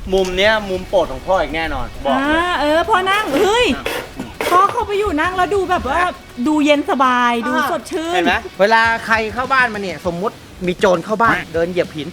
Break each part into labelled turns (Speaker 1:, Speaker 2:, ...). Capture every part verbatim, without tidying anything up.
Speaker 1: มุมเนี้ยมุมโปรดของพ่ออีกแน่นอนบอก
Speaker 2: อ่าเออพ่อนั่งเฮ้ยพ่อเข้าไปอยู่นั่งแล้วดูแบบว่าดูเย็นสบายดูสดชื่น
Speaker 1: เห็นไหมเวลาใครเข้าบ้านมาเนี่ยสมมุติมีโจรเข้าบ้านเดินเหยียบหิน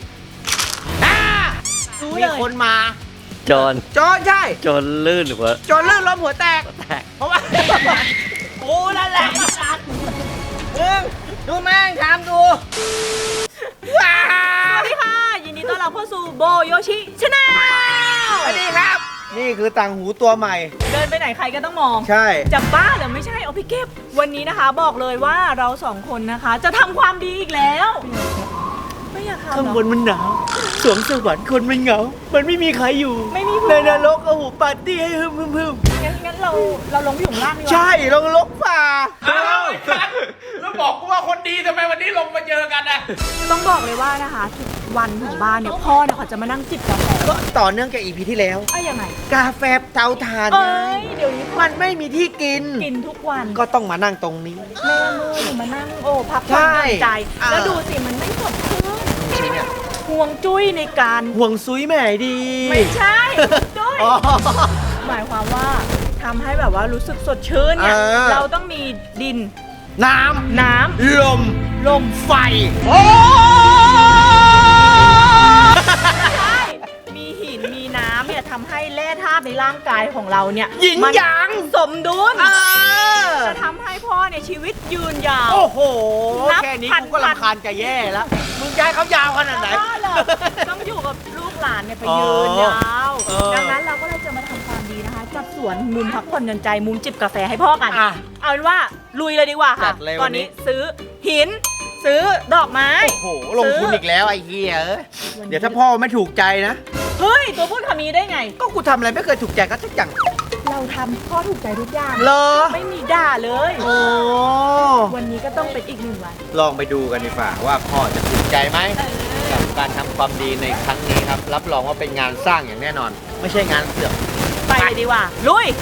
Speaker 1: มีคนมา
Speaker 3: จน
Speaker 1: โจรใช่
Speaker 3: จนลื่นหัว
Speaker 1: โจรลื่นล้มหัวแตก
Speaker 3: แตก
Speaker 1: เพราะว่าโอ้นั่นแหละเออดูแม่งทำดูว้า
Speaker 2: สวัสดีค่ะยินดีต้อนรับเข้าสู่โบโยชิชาแนล
Speaker 1: สวัสดีครับ นี่คือต่างหูตัวใหม่
Speaker 2: เดินไปไหนใครก็ต้องมอง
Speaker 1: ใช่
Speaker 2: จะบ้าหรือไม่ใช่เอาพี่เก็บวันนี้นะคะบอกเลยว่าเราสองคนนะคะ จะทำความดีอีกแล้วไม่อยากทำ
Speaker 1: ข้าง
Speaker 2: หร
Speaker 1: บ
Speaker 2: อน
Speaker 1: มันหนาวสวงสวรรค์คนมันเหงา มันไม่มีใครอยู่
Speaker 2: ไม่มี
Speaker 1: ในนรกเอาหูปาร์ตี้ให้ฮึมฮึมฮึม
Speaker 2: งั้นงั้นเราเราลงไปอยู่ข้างล่างดีกว่า
Speaker 1: ใช่ลงลกฝ่า
Speaker 4: อ้าวแล้วบอกกูว่าคนดีทำไมวันนี้ลงมาเจอกันอ่ะ
Speaker 2: ต้องบอกเลยว่านะคะทุกวันของบ้านเนี่ยพ่อเนี่ยเขาจะมานั่งจิบกาแฟ
Speaker 1: ก็ต่อเนื่องจากอีพีที่แล้ว
Speaker 2: เอ้ยยังไง
Speaker 1: กาแฟเตาถ่าน
Speaker 2: เอ้
Speaker 1: ไง
Speaker 2: ยเดี๋ยวนี้
Speaker 1: มันไม่มีที่กิน
Speaker 2: กินทุกวัน
Speaker 1: ก็ต้องมานั่งตรงนี้
Speaker 2: แม่มือหนูมานั่งโอ้พัก
Speaker 1: ใช่
Speaker 2: ผ่อนหย่อนใจ
Speaker 1: อ่า
Speaker 2: แล้วดูสิมันไม่สดชื่นห่วงจุ้ยในการ
Speaker 1: ห่วงซุยแม่ดี
Speaker 2: ไม่ใช่จุ้ย
Speaker 1: อ๋อ
Speaker 2: หมายความว่าทำให้แบบว่ารู้สึกสดชื่นเนี่ย
Speaker 1: เออ
Speaker 2: เราต้องมีดิน
Speaker 1: น้
Speaker 2: น้
Speaker 1: ำลม
Speaker 2: ำลม
Speaker 1: ไฟโอ้
Speaker 2: ใช่มีหินมีน้ำเนี่ยทำให้แร่ธาตุในร่างกายของเราเนี่ย
Speaker 1: หยิน
Speaker 2: มัน
Speaker 1: หยาง
Speaker 2: สมดุล
Speaker 1: เออ
Speaker 2: จะทำให้พ่อเนี่ยชีวิตยืนยาว
Speaker 1: โอ้โห
Speaker 2: นับ
Speaker 1: แค่นี้
Speaker 2: พัน
Speaker 1: กูก็รำคาญจะแย่แล้ว มึงย้ายเขายาวขนาดไหน
Speaker 2: บ้าเหรอต้องอยู่กับลูกหลานเนี่ยไป
Speaker 1: อ๋อ
Speaker 2: ยืนยาว
Speaker 1: เออ
Speaker 2: ดังนั้นเราก็เลยจะมาทำความดีนะคะ จัดสวนมุมพักผ่อนหย่อนใจมุมจิบกาแฟให้พ่อกัน
Speaker 1: อ่ะ
Speaker 2: เอาเป็นว่าลุยเลยดีกว่า
Speaker 1: จั
Speaker 2: ค่ะ
Speaker 1: ดเลย
Speaker 2: ต
Speaker 1: วั
Speaker 2: อน
Speaker 1: นนี้
Speaker 2: นี้ซื้อหิน ซื้อดอกไม้
Speaker 1: โอ้โห ลงทุนอีกแล้วไอ้เหี้ยเอ้ยเดี๋ยวถ้าพ่อไม่ถูกใจนะ
Speaker 2: เฮ้ย ตัวพูดคำนี้ได้ไง
Speaker 1: ก็กูทำอะไรไม่เคยถูกใจก็ทุกอย่าง
Speaker 2: เราทำพ่อถูกใจทุกอย่าง
Speaker 1: เหรอ
Speaker 2: ไม่มีด่าเลย
Speaker 1: โอ้
Speaker 2: วันนี้ก็ต้องเป็นอีกหนึ่งวัน
Speaker 1: ลองไปดูกันดีกว่าว่าพ่อจะถูกใจไหมกับการทำความดีในครั้งนี้ครับ รับรองว่าเป็นงานสร้างอย่างแน่นอน ไม่ใช่งานเสือก
Speaker 2: ไปเลยดีกว่า ลุย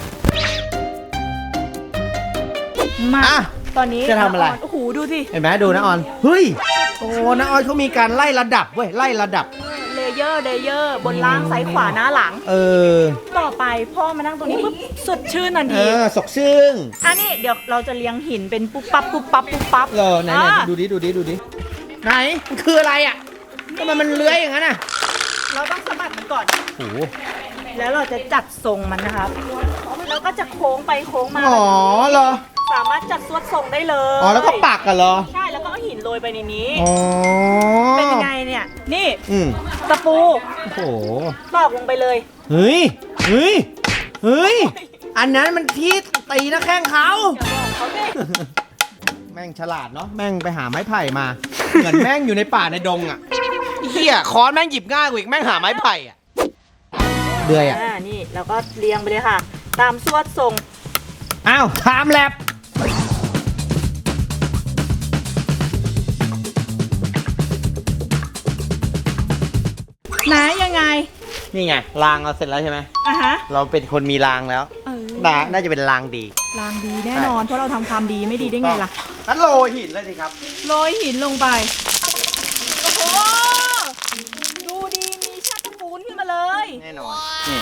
Speaker 2: มา
Speaker 1: อ่ะ
Speaker 2: ตอนนี้
Speaker 1: จะทำอะไร
Speaker 2: โอ้โห ดูสิ
Speaker 1: เห็นไหมดูนะออน เฮ้ย โอ้นะออนเขามีการไล่ระดับเว้ย ไล่ระดับ
Speaker 2: เลเยอร์ เลเยอร์ บนล่างซ้ายขวาหน้าหลัง
Speaker 1: เออ
Speaker 2: ต่อไปพ่อมานั่งตรงนี้ปุ๊บสดชื่นทัน
Speaker 1: เอ
Speaker 2: ที
Speaker 1: อ สกซึ่ง
Speaker 2: อันนี้เดี๋ยวเราจะเลี้ยงหินเป็นปุ๊บปั๊บปุ๊บปั๊บปุ๊บปั๊บ
Speaker 1: เออไหนไหน
Speaker 2: อ่ะ
Speaker 1: ดูดิ ดูดิ ดูดิ ไหน มันคืออะไรอ่ะทำไมมันเลื้อยอย่างนั้นอ่ะ
Speaker 2: เราต้องสะบัดมันก่อน
Speaker 1: โอ้โห
Speaker 2: แล้วเราจะจัดทรงมันนะครับ แล้วก็จะโค้งไปโค้งมา
Speaker 1: อ๋อเหรอ
Speaker 2: สามารถจัดสวดทรงได้เลย
Speaker 1: อ๋อ แล้วก็ปักกันเหรอ
Speaker 2: ใช่ แล้วก็เอาหินโรยไปในนี้
Speaker 1: อ๋อ
Speaker 2: เป็นยังไงเนี่ย นี่
Speaker 1: อืม
Speaker 2: ตะปู
Speaker 1: โอ้โห
Speaker 2: ตอกลงไปเลย
Speaker 1: เฮ้ย เฮ้ย เฮ้ย อันนั้นมันที่ตีนะแข้งเขา
Speaker 2: อย่าบอกเขาดิ
Speaker 1: แม่งฉลาดเนาะ แม่งไปหาไม้ไผ่มา เหมือนแม่งอยู่ในป่าในดงอ่ะเฮียค้อนแม่งหยิบง่ายกว่าอีกแม่งหาไม้ไผ่อ่ะเดือยอ่ะ
Speaker 2: อ่า นี่เราก็เรียงไปเลยค่ะ ตามสวดทรง
Speaker 1: อ้าวไทม์แลบ
Speaker 2: ไหนยังไง
Speaker 1: นี่ไงรางเราเสร็จแล้วใช่ไหม
Speaker 2: อ่ะฮะ
Speaker 1: เราเป็นคนมีรางแล้ว
Speaker 2: เออ
Speaker 1: น่าน่าจะเป็นรางดี
Speaker 2: ลางดีแน่นอน เพราะเราทำความดีไม่ดีได้ไงล่ะ
Speaker 1: งั้นโรยหินเลยสิครับ
Speaker 2: โรยหินลงไป โอ้โห ดูดี มีชักตะปูนขึ้นมาเลย
Speaker 1: แน่นอน นี่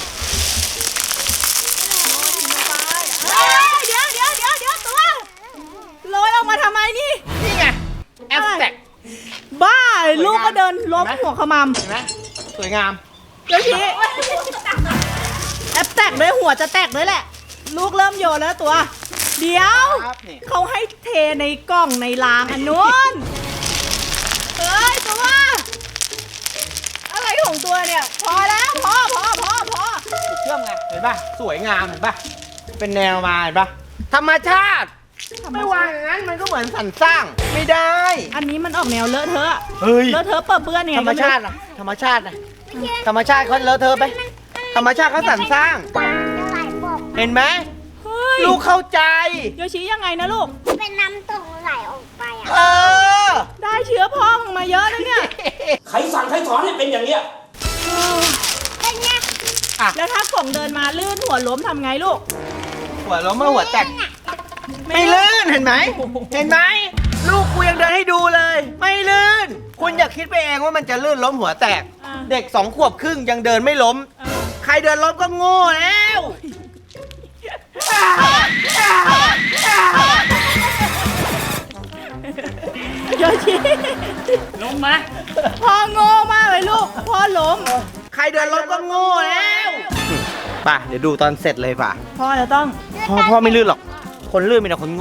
Speaker 2: เฮ้ยเดี๋ยวเดี๋ยวเดี๋ยวเดี๋ยวตัวโรยออกมาทำไมนี่
Speaker 1: นี่ไงแอสแต็ก
Speaker 2: บ้า
Speaker 1: สวยงาม
Speaker 2: ลูกก็เดินล้ม
Speaker 1: เห็นไหม
Speaker 2: หัวขมำ
Speaker 1: เห็นไหมสวยงาม
Speaker 2: เดี๋ยวชี้แอปแตกด้วยหัวจะแตกด้วยแหละ ลูกเริ่มโยนแล้วตัว เดี๋ยว
Speaker 1: ครับนี่
Speaker 2: เขาให้เทในกล่องในรางอันนู้นเฮ้ยตัว อะไรของตัวเนี่ย พอแล้วพอพอพอพอ
Speaker 1: เชื่อมไง เห็นป่ะ สวยงามเห็นป่ะ เป็นแนวมาเห็นป่ะ ธรรมชาติ ไม่วางอย่างนั้นมันก็เหมือนสรรสร้าง ไม่ได้
Speaker 2: อันนี้มันออกแนวเลอะเทอะ
Speaker 1: เฮ้ย
Speaker 2: เลอะเทอะเปิดเปื้อนยังไง
Speaker 1: ธรรมชาตินะธรรมชาตินะธรรมชาติเขาเลอะเทอะไป ธรรมชาติเขาสรรสร้าง เห็นไหม
Speaker 2: เฮ้ย
Speaker 1: ลูกเข้าใจ
Speaker 2: โยชิยังไงนะลูก
Speaker 5: เป็นน้ำตกไหลออกไปอ่ะ
Speaker 1: เออ
Speaker 2: ได้เชื้อพ่อมึงมาเยอะแล้วเนี่ย
Speaker 4: ใครสั่งใครสอนให้เป็นอย่างเนี้ย
Speaker 5: เป็นไง
Speaker 2: แล้วถ้ากล่องเดินมาลื่นหัวล้มทำไงลูก
Speaker 1: หัวล้มมาหัวแตก ไม่ลื่นเห็นไหม เห็นไหม ลูกกูยังเดินให้ดูเลย ไม่ลื่น คุณอย่าคิดไปเองว่ามันจะลื่นล้มหัวแตก
Speaker 2: อ่า
Speaker 1: เด็กสองขวบครึ่งยังเดินไม่ล้ม
Speaker 2: เออ
Speaker 1: ใครเดินล้มก็โง่แล้ว
Speaker 2: โยชิ
Speaker 4: ลงมา
Speaker 2: พ่อโง่มากเลยลูก พ่อล้ม
Speaker 1: ใครเดินล้มก็โง่แล้วป่ะเดี๋ยวดูตอนเสร็จเลยป่ะ
Speaker 2: พ่อจะต้อง
Speaker 1: พ่อพ่อไม่ลื่นหรอก คนลื่นมีแต่คนโง่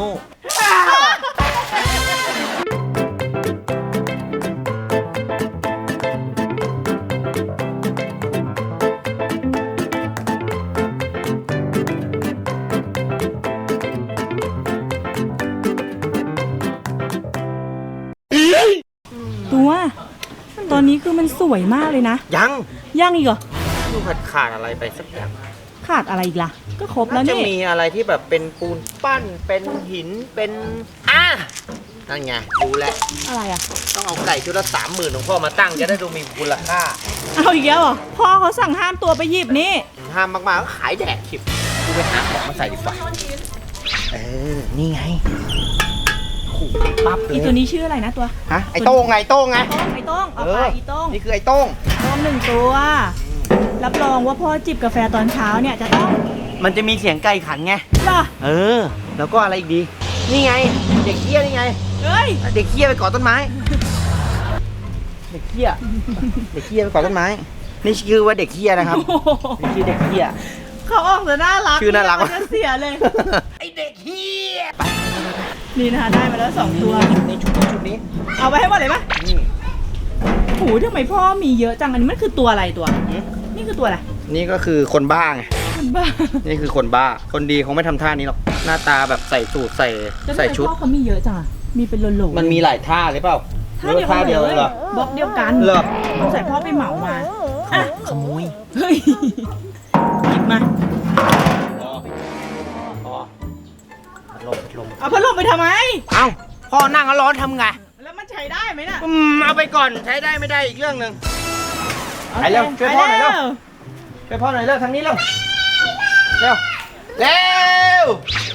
Speaker 2: ตัว ตอนนี้คือมันสวยมากเลยนะ
Speaker 1: ยัง
Speaker 2: ย่างอีกเหรอ
Speaker 1: ดูขาดขาดอะไรไปสักอย่าง
Speaker 2: ขาดอะไรอีกล่ะ ก็ครบแล้
Speaker 1: น่าว จะ
Speaker 2: นี่
Speaker 1: มีอะไรที่แบบเป็นปูนปั้น เป็นหิน เป็นอ่ะนั่นไงดูแลว
Speaker 2: อะไรอ่ะ
Speaker 1: ต้องเอาไก่ชุดละสามหมื่นของพ่อมาตั้งจะได้ดูมีมูลค่า
Speaker 2: เอาอีกแล้วเหรอ พ่อเขาสั่งห้ามตัวไปหยิบนี่
Speaker 1: ห้ามมากๆก็ขายแดกขิบกูไปหาของมาใส่ดีกว่า เออ นี่ไงขู่ปั๊บเล
Speaker 2: อี
Speaker 1: ย
Speaker 2: ตัวนี้ชื่ออะไรนะตัว
Speaker 1: ฮะ ไอ้โต้งไงไอ้โต้งไง
Speaker 2: โต้งไอ้โต้งเอา
Speaker 1: เอ
Speaker 2: ไป
Speaker 1: อ
Speaker 2: อีโต้ง
Speaker 1: นี่คือไอ้โต้ง
Speaker 2: โต้งหนึ่งตัว รับรองว่าพ่อจิบกาแฟตอนเช้าเนี่ยจะต้อง
Speaker 1: มันจะมีเสียงไก่ขันไง
Speaker 2: เหรอ
Speaker 1: เออ แล้วก็อะไรอีกดี นี่ไง เด็กเขี้ยนี่ไง
Speaker 2: เฮ้ย
Speaker 1: เด็กเขี้ยไปเกาะต้นไม้ เด็กเขี้ยเด็กเขี้ยไปเกาะต้นไม้ นี่ชื่อว่าเด็กเขี้ยนะครับ
Speaker 2: โอ้โห
Speaker 1: นี่ชื่อเด็กเขี้ย
Speaker 2: เขาออกแต่น่ารัก
Speaker 1: ชื่อน่ารัก
Speaker 2: มันจะเสียเลย
Speaker 1: ไอเด็กเขี้ย
Speaker 2: นี่นะคะได้มาแล้วสองตัว
Speaker 1: ในชุดนี้ชุดนี้
Speaker 2: เอาไปให้หมดเลยปะ
Speaker 1: นี่
Speaker 2: โหทำไมพ่อมีเยอะจัง อันนี้มันคือตัวอะไรตัว
Speaker 1: หืม
Speaker 2: นี่คือตัวอะไร
Speaker 1: นี่ก็คือคนบ้าไง
Speaker 2: มันบ้า
Speaker 1: นี่คือคนบ้า คนดีคงไม่ทำท่านี้หรอก หน้าตาแบบใส่สูทใส่
Speaker 2: แล้วทำ
Speaker 1: ใส่
Speaker 2: ไม
Speaker 1: ชุด
Speaker 2: พ่อเขามีเยอะจังอะมีเป็นโหลๆ
Speaker 1: มันมีหลายท่าหรือเปล่า
Speaker 2: ท่าเดียว
Speaker 1: ท่าเดียว
Speaker 2: เล
Speaker 1: เลย ยเหรอ
Speaker 2: บล็อกเดียวกัน
Speaker 1: เหรอ
Speaker 2: ต้องใส่พ่อไปเหมามาอ่ะ
Speaker 1: ขโมย
Speaker 2: เฮ้ยหยิบมา
Speaker 1: พอพอพัดลมพัดลม
Speaker 2: เอาพัดลมไปทำไม
Speaker 1: เอ้า พ่อนั่งแล้วร้อนทำไง
Speaker 2: แล้วมันใช้ได้ไหมน่ะ
Speaker 1: อืมเอาไปก่อนใช้ได้ไม่ได้อีกเรื่องหนึ่ง ไปเร็วช่วยพ่อหน่อยเร็ว ช่วยพ่อหน่อยเร็วทางนี้เร็ว เร็ว เร็ว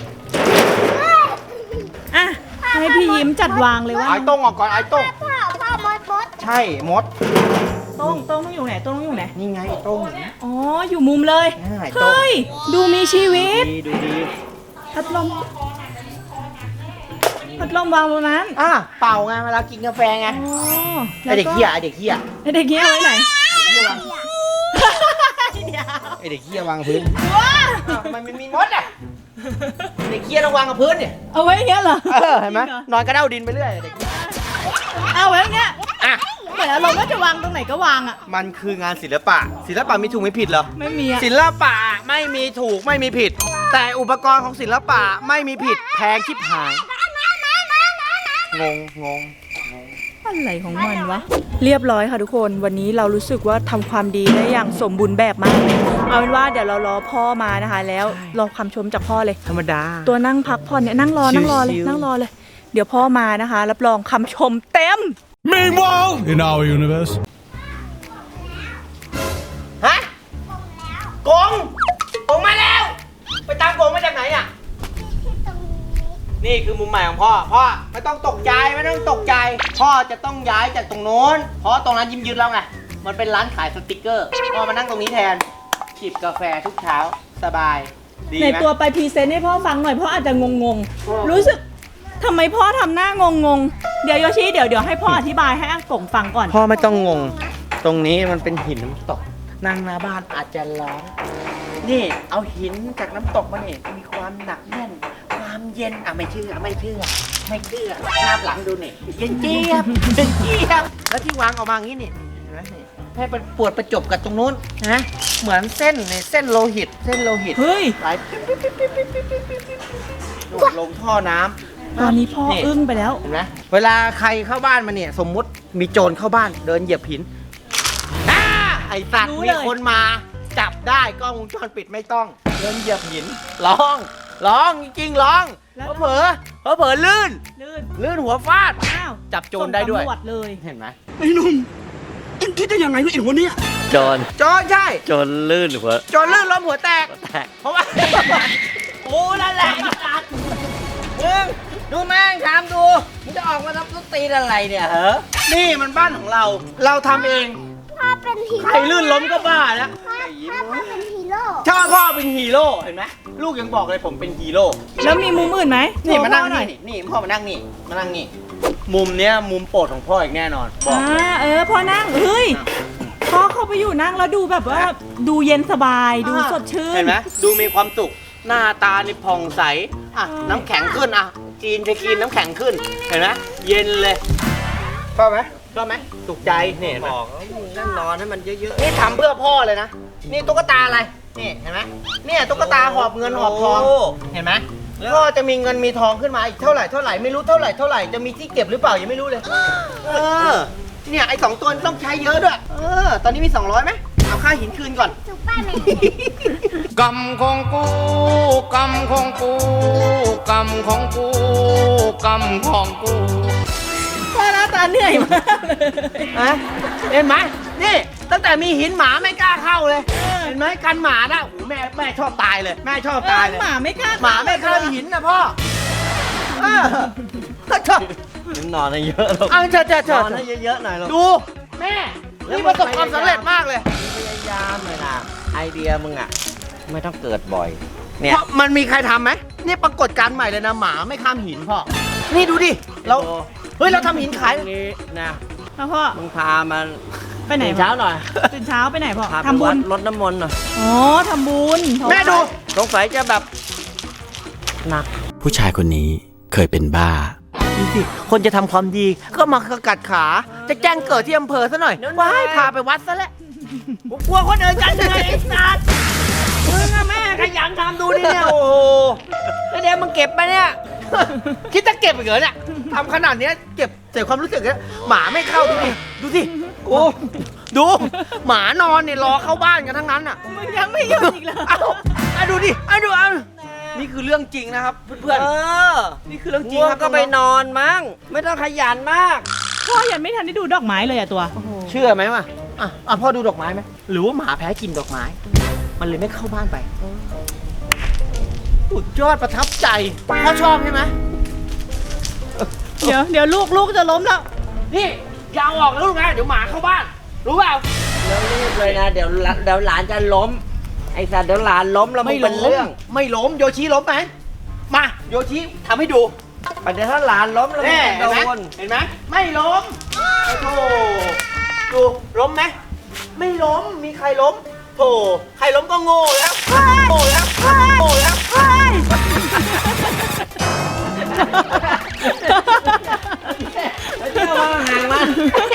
Speaker 2: อ่ะให้พี่ยิ้มจัดวางเลยว่า
Speaker 1: ไอ้โต้งออกก่อนไอ้โต้ง
Speaker 5: พ่อพ่อมดมด
Speaker 1: ใช่มด
Speaker 2: โต้งโต้งต้องอยู่ไหนโต้งต้องอยู่ไหน
Speaker 1: นี่ไงไอ้โต้ง
Speaker 2: อ๋อ อยู่มุมเลย
Speaker 1: อ่าไอ้โต้ง
Speaker 2: เฮ้ย ดูมีชีวิต
Speaker 1: ดีดูดี
Speaker 2: พัดลม พัดลมวางตรงนั้น
Speaker 1: อ่ะเป่าไงเวลากินกาแฟไง
Speaker 2: อ๋อ
Speaker 1: ไอเด็กเหี้ยไอเด็กเหี้ย
Speaker 2: ไอเด็กเหี้ยไว้ไหน
Speaker 1: เหี้ยวาง
Speaker 2: เดี๋ยว
Speaker 1: ไอเด็กเหี้ยวางพื้น
Speaker 2: ว้า
Speaker 1: อ้าวทำไมมันมีมดอ่ะเด็กเหี้ยต้องวางกับพื้นเนี่ย
Speaker 2: เอาไว้อย่างเงี้ยเหรอ
Speaker 1: เออเห็นไหม
Speaker 2: จริงรอน
Speaker 1: อนกระเด้าดินไปเรื่อยเด็กเหี้ย
Speaker 2: เอาไว้อย่างเงี้ย
Speaker 1: อ่ะ
Speaker 2: เหมือนอารมณ์ว่าจะวางตรงไหนก็วางอ่ะ
Speaker 1: มันคืองานศิลปะ ศิลปะมีถูกไม่ผิดเหรอ
Speaker 2: ไม่มีอ่ะ
Speaker 1: ศิลปะไม่มีถูกไม่มีผิด แต่อุปกรณ์ของศิลปะไม่มีผิดแพงชิบหาย งงงง
Speaker 2: อะไรของมันวะ เรียบร้อยค่ะทุกคน วันนี้เรารู้สึกว่าทำความดีได้อย่างสมบูรณ์แบบมากเลยเอาเป็นว่าเดี๋ยวเรารอพ่อมานะคะ แล้วรอคำชมจากพ่อเลย
Speaker 1: ธรรมดา
Speaker 2: ตัวนั่งพักผ่อนเนี่ยนั่งรอนั่งรอเลย
Speaker 1: ชิวๆ
Speaker 2: นั่งรอเลย เดี๋ยวพ่อมานะคะ รับรองคำชมเต็ม
Speaker 6: Meanwhile, in our universe.
Speaker 1: ฮะกงกงมาแล้ว ไปตามกงมาจากไหนอ่ะ นี่คือมุมใหม่ของพ่อ พ่อไม่ต้องตกใจไม่ต้องตกใจ พ่อจะต้องย้ายจากตรงโน้น เพราะตรงนั้นยิ้มยืนแล้วไง มันเป็นร้านขายสติกเกอร์ พ่อมานั่งตรงนี้แทน จิบกาแฟทุกเช้า สบาย ดี
Speaker 2: ใน
Speaker 1: ไหม
Speaker 2: ตัวไปพรีเซนต์ให้พ่อฟังหน่อยพ่ออาจจะงงๆ รู้สึกทำไมพ่อทำหน้างงๆ เดี๋ยวโยชิเดี๋ยวเดี๋ยวให้พ่ออธิบายให้อังกงฟังก่อน
Speaker 1: พ่อไม่ต้องงง ตรงนี้มันเป็นหินน้ำตก นั่งหน้าบ้านอาจจะร้อน นี่เอาหินจากน้ำตกมาเนี่ยมีความหนักแน่น ความเย็น อ่ะไม่เชื่อไม่เชื่อ ไม่เชื่อหน้าหลังดูนี่เย็นเจี๊ยบเย็นเจี๊ยบ แล้วที่วางออกมาอย่างนี้นี่เห็นไหมนี่ให้มันปวดประจบกับตรงนู้นนะเหมือนเส้นในเส้นโลหิต เส้นโลหิต
Speaker 2: เฮ้ย
Speaker 1: ไหลปิ๊บปิ๊บปิ๊บปิ๊บปิ๊บปิ๊บปิ๊บปิ๊บปิ๊บโดดลงท่อน้ำ
Speaker 2: ตอนนี้พ่ออึ้งไปแล้ว
Speaker 1: เห็นไหมเวลาใครเข้าบ้านมาเนี่ย สมมุติมีโจรเข้าบ้านเดินเหยียบหินอ้าไอสัตว์
Speaker 2: รู้
Speaker 1: มี
Speaker 2: เลย
Speaker 1: คนมา จับได้กล้องวงจรปิดไม่ต้อง เดินเหยียบหินร้องร้องจริงๆร้องเผลอเผลอเผลอๆลื่น
Speaker 2: ลื่น
Speaker 1: ลื่นหัวฟาด
Speaker 2: อ้าว
Speaker 1: จับโจรได้ด้วย
Speaker 2: ส่งตำรวจเลย
Speaker 1: เห็นไหม
Speaker 6: ไอ้หนุ่มเอ็งคิดได้ยังไงเนี่ยไอ้หัวเนี่ย
Speaker 3: จอน
Speaker 1: โจรใช่
Speaker 3: จอนลื่นหัว
Speaker 1: โจรลื่นล้มหัวแตก
Speaker 3: แตก
Speaker 1: เพราะว่า โอ้นั่นแหละมึงดูแม่งทำดูมึงจะออกมาทำต้นตีนอะไรเนี่ยเหรอนี่มันบ้านของเรา เราทำเอง
Speaker 5: พ่อเป็นฮีโร่
Speaker 1: ใครลื่นล้มก็บ้าแล้ว
Speaker 5: พ่อพ่อเป็นฮีโร่
Speaker 1: ชอบพ่อเป็นฮีโร่เห็นไหมลูกยังบอกเลยผมเป็นฮีโร่
Speaker 2: แล้วมีมุมอื่นไหม
Speaker 1: นี่มานั่ง
Speaker 2: โชว์พ่อหน่อย
Speaker 1: นี่นี่พ่อมานั่งนี่มานั่งนี่มุมเนี้ยมุมโปรดของพ่ออีกแน่นอนบอก
Speaker 2: อ่าเออพ่อนั่งเฮ้ยพ่อเข้าไปอยู่นั่งแล้วดูแบบว่าดูเย็นสบายดูสดชื่น
Speaker 1: เห็นไหมดูมีความสุขหน้าตานี่ผ่องใสอ่ะ
Speaker 2: เออ
Speaker 1: น้ำแข็งขึ้นอ่ะจีนจะกินน้ำแข็งขึ้นเห็นไหมเย็นเลยชอบไหมชอบไหมสุขใจนี่บอกนั่งนอนให้มันเยอะๆนี่ทำเพื่อพ่อเลยนะนี่ตุ๊กตาอะไรนี่เห็นไหมเนี่ยตุ๊กตาหอบเงินหอบทองเห็นไหมพ่อจะมีเงินมีทองขึ้นมาอีกเท่าไหร่เท่าไหร่ไม่รู้เท่าไหร่เท่าไหร่จะมีที่เก็บหรือเปล่ายังไม่รู้เลยเออเนี่ยไอ้สองตัวต้องใช้เยอะด้วยเออตอนนี้มีสองร้อยไหมเอาค่าหินคืนก่อน
Speaker 5: ซุปเปอร์แมน
Speaker 4: กรรมของกูกรรมของกูกรรมของกูกรรมของกู
Speaker 2: พ่อหน้าตาเหนื่อยมากเลย
Speaker 1: ฮะเห็นไหมนี่ตั้งแต่มีหินหมาไม่กล้าเข้าเลยเห็นไหมกันหมานะโอ้โหแม่แม่ชอบตายเลยแม่ชอบตายเลย
Speaker 2: หมาไม่กล้า
Speaker 1: หมาไม่กล้าหินนะพ่อเออชอบ
Speaker 3: นอนให้เยอะหรอก
Speaker 1: เอาเถอะเถอะเถ
Speaker 3: น
Speaker 1: อะ
Speaker 3: อนให้เยอะๆหน่อยหรอก
Speaker 1: ดูแม่นี่ประสบความสำเร็จมากเลย
Speaker 3: พยายามเลยนะไอเดียมึงอ่ะ ไม่ต้องเกิดบ่อย เนี่ย
Speaker 1: เพราะมันมีใครทำไหมนี่ปรากฏการณ์ใหม่เลยนะหมาไม่ข้ามหินพ่อนี่ดูดิเราเฮ้ยเราทำหินขาย
Speaker 3: ตรงนี้นะ
Speaker 2: พ่อพ่อ
Speaker 3: มึงพามัน
Speaker 2: ไปไหน
Speaker 3: ตื่เช้าหน่อย
Speaker 2: ตื่นเช้าไปไหนพ่อ
Speaker 3: พาไป
Speaker 2: ทำบุ
Speaker 3: วั
Speaker 2: ญ
Speaker 3: ดรดน้ำมนต์หน่อย
Speaker 2: อ๋อทำบุญ
Speaker 1: แม่ดู
Speaker 3: สงสัยจะแบบหนัก
Speaker 7: ผู้ชายคนนี้เคยเป็นบ้า
Speaker 1: ดูสิคนจะทำความดีก็มากัดขา จะแจ้งเกิดที่อำเภอซะหน่อยว้ายพาไปวัดซะแล้วผมกลัวคนอื่นกันเลยไอ้สัตว์มึงอะแม่ขยันทำดูดิเนี่ยโอ้โหแล้วเดี๋ยวมึงเก็บไปเนี่ย คิดจะเก็บอีกเหรอเนี่ยทำขนาดเนี้ยเก็บเสียความรู้สึกเนี่ยหมาไม่เข้าดูดิดูสิโอ้ดู หมานอนเนี่ยรอเข้าบ้านกันทั้งนั้นอ่ะ
Speaker 2: มึงยังไม่หยุดอีกเหรอ
Speaker 1: เอาเอาดูดิเอาดูเอานี่คือเรื่องจริงนะครับเพื่อน
Speaker 3: เออ
Speaker 1: ๆนี่คือเรื่องจริง
Speaker 3: ง่วง
Speaker 1: ครับ
Speaker 3: ก็ไปนอนมั้ง ไม่ต้องขยันมาก
Speaker 2: พ่อยังไม่ทันได้ดูดอกไม้เลยอะตัว
Speaker 1: เชื่อไหมวะอ่ะอ่ะพ่อดูดอกไม้ไหมหรือว่าหมาแพ้กลินดอกไม้ มันเลยไม่เข้าบ้านไปสุดยอดประทับใจพ่อชอบใช่ไหม
Speaker 2: เดี๋ยวเดี๋ยวลูกลูกจะล้มแล้ว
Speaker 1: นี่อยาวออกแล้วลูกนะเดี๋ยวหมาเข้าบ้าน รู้เปล่า
Speaker 3: แล้วรีบเลยนะ เดี๋ยวหลานเดี๋ยวหลานจะล้ม ไอ้สัตว์เดี๋ยวหลานล้มแล้วมึ
Speaker 1: ไม่
Speaker 3: งเป็น
Speaker 1: ล้
Speaker 3: เรื่อ
Speaker 1: ม
Speaker 3: ง
Speaker 1: ไม่ล้มโยชิล้มไหมมาโยชิทำให้ดู
Speaker 3: ประเดี๋ยวถ้าหลานล้มแล้วมึ
Speaker 1: แน่
Speaker 3: งจะ
Speaker 1: เห็นไหม
Speaker 3: โดน
Speaker 1: เห็นไหมไม่ล้มโอ้โหดูล้มไหมไม่ล้มมีใครล้มโธ่ใครล้มก็โง่แล้วโง่แล้วโง่แล้ว
Speaker 3: เจ้ามาห่างมัน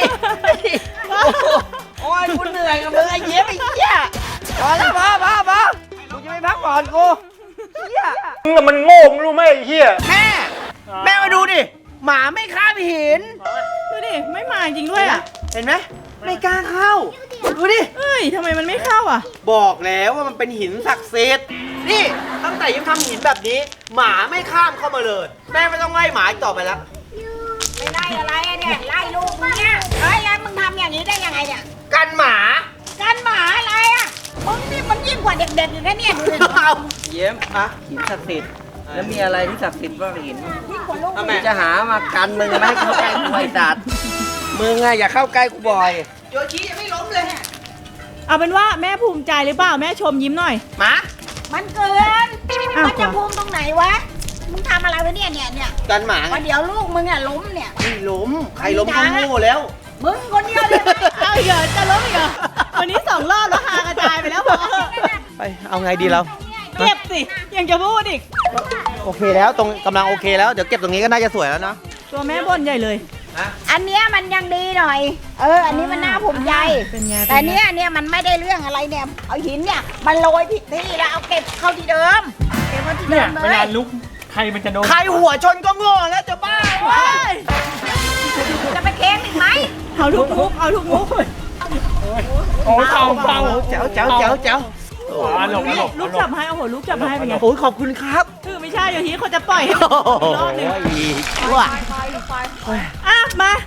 Speaker 3: โอ้ยกูเหนื่อยกับมึงไอ้เหี้ยไอ้เหี้ยพอแล้วพอพอพอกูจะไม่พักผ่อนกูเหี้ย
Speaker 1: มันโง่มึงรู้ไหมไอ้เหี้ยแม่แม่มาดูดิหมาไม่ข้ามหิน
Speaker 2: ดูดิไม่มาจริงด้วยอะ
Speaker 1: เห็นไหมไม่กล้าเข้าดูดิ
Speaker 2: เอ้ยทำไมมันไม่เข้าอ่ะ
Speaker 1: บอกแล้วว่ามันเป็นหินศักดิ์สิทธิ์นี่ตั้งแต่ยังทำหินแบบนี้ หมาไม่ข้ามเข้ามาเลย แม่ไม่ต้องไล่หมาอีกต่อไปแล้ว
Speaker 5: ไม่ไล่อะไรอะเนี่ยไล่ลูกมึงเนี่ยเฮ้ยแล้วมึงทำอย่างนี้ได้ยังไงเนี่ย
Speaker 1: กันหมา
Speaker 5: กันหมาอะไรอะมึงนี่มันยิ่งกว่าเด็กๆอยู่นะเนี่ยดูดิ
Speaker 1: เอา
Speaker 3: เยี่ยมอะหินศักดิ์สิทธิ์แล้วมีอะไรที่ศักดิ์สิทธิ์บ้างหิน
Speaker 5: ยิ่งกว่าลูก
Speaker 3: ทำไมจะหามากันมึงไม่ให้เข้าใกล้กูไอ้สัตว์มึงอะอย่าเข้าใกล้กูบ่อย
Speaker 1: โยชิยังไม่ล้มเลย
Speaker 2: เอาเป็นว่าแม่ภูมิใจหรือเปล่าแม่ชมยิ้มหน่อย
Speaker 1: หมา
Speaker 5: มันเกิน
Speaker 2: อ้าว
Speaker 5: มันจะภูมิตรงไหนวะมึงทำอะไรวะเนี่ยเนี่ยเนี่ย
Speaker 1: กันหมาไง
Speaker 5: วันเดี๋ยวลูกมึงอะล้มเนี่ย
Speaker 1: ไม่ล้มใครล้มก็โง่แล้ว
Speaker 5: มึงคนเดียวเลยนะ
Speaker 2: เอาอีกเหรอจะล้มอีกเหรอวันนี้สองรอบแล้วหากระจายไปแล้วพอ
Speaker 1: ไปเอาไงดีเรา
Speaker 2: เก็บสิยังจะพูดอีก
Speaker 1: โอเคแล้วตรงกำลังโอเคแล้วเดี๋ยวเก็บตรงนี้ก็น่าจะสวยแล้วนะ
Speaker 2: ตัวแม่บ่นใหญ่เลย
Speaker 5: อันเนี้ยมันยังดีหน่อย เออ อันนี้มันน่าภูมิใจ
Speaker 2: เป็นไง
Speaker 5: แต่เนี้ยเนี่ยมันไม่ได้เรื่องอะไรเนี่ย เอาหินเนี่ยมันโรยผิดที่แล้วเอาเก็บเข้าที่เดิม เก็บเข้าที่เดิมเลย
Speaker 4: เวลาลุกใครมันจะโดน
Speaker 1: ใครหัวชนก็โง่แล้วจะบ้า
Speaker 2: เฮ้ย
Speaker 5: จะไปเค้งอีกไหม
Speaker 2: เอาทุกมุกเอาทุกมุก
Speaker 4: โอ้ยเบาเบา
Speaker 1: เจ๋วเจ๋วเจ๋วเจ๋ว
Speaker 4: อ่ะหลบอ่ะหลบ
Speaker 2: ลูกจับให้โอ้โหลูกจับให้เป็นไง
Speaker 1: โอ้ยขอบคุณครับ
Speaker 2: คือไม่ใช่อย่างนี้เขาจะปล่อยให้มันอีกรอบหนึง
Speaker 1: ว่า
Speaker 2: อ่ะมา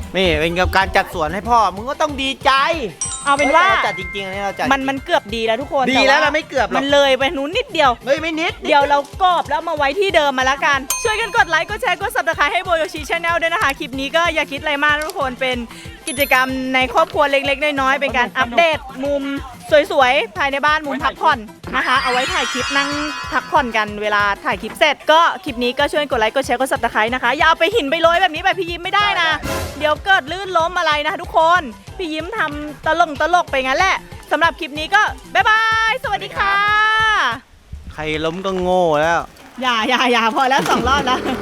Speaker 1: นี่เป็นกับการจัดสวนให้พ่อมึงก็ต้องดีใจ
Speaker 2: เอาเป็นว่า
Speaker 1: ฮ้ยรจัดจริงๆอันนี้เราจัด
Speaker 2: มันมันเกือบดีแล้วทุกคน
Speaker 1: ดี
Speaker 2: ต่
Speaker 1: แล้วเราไม่เกือบหรอก
Speaker 2: มันเลยไปนู้นนิดเดียว
Speaker 1: เฮ้ยไม่นิด
Speaker 2: เดี๋ยวเรากรอบแล้วมาไว้ที่เดิมมาแล้วกัน ช่วยกันกดไลค์ กดแชร์ กด ซับสไครบ์ ให้โบโยชิชาแนลด้วยนะคะ คลิปนี้ก็อย่าคิดอะไรมากนะทุกคน เป็นกิจกรรมในครอบครัวเล็กๆ น้อยๆ เป็นการอัปเดตมุมสวยๆ ภายในบ้านมุมพักผ่อนนะคะ เอาไว้ถ่ายคลิปนั่งพักผ่อนกันเวลาถ่ายคลิปเสร็จ ก็คลิปนี้ก็ช่วยกดไลค์ กดแชร์ กด ซับสไครบ์ นะคะ อย่าเอาไปหินไปโรยแบบนี้แบบพี่ยิ้มไม่ได้นะ เดี๋ยวเกิดลื่นล้มอะไรนะคะทุกคน พี่ยิ้มทำตลกตลกไปงั้นแหละสำหรับคลิปนี้ก็บ๊ายบาย สวัสดีค่ะ
Speaker 1: ใครล้มก็โง่แล้ว
Speaker 2: อย่าอย่าอย่าพอแล้วสองรอบแล้ว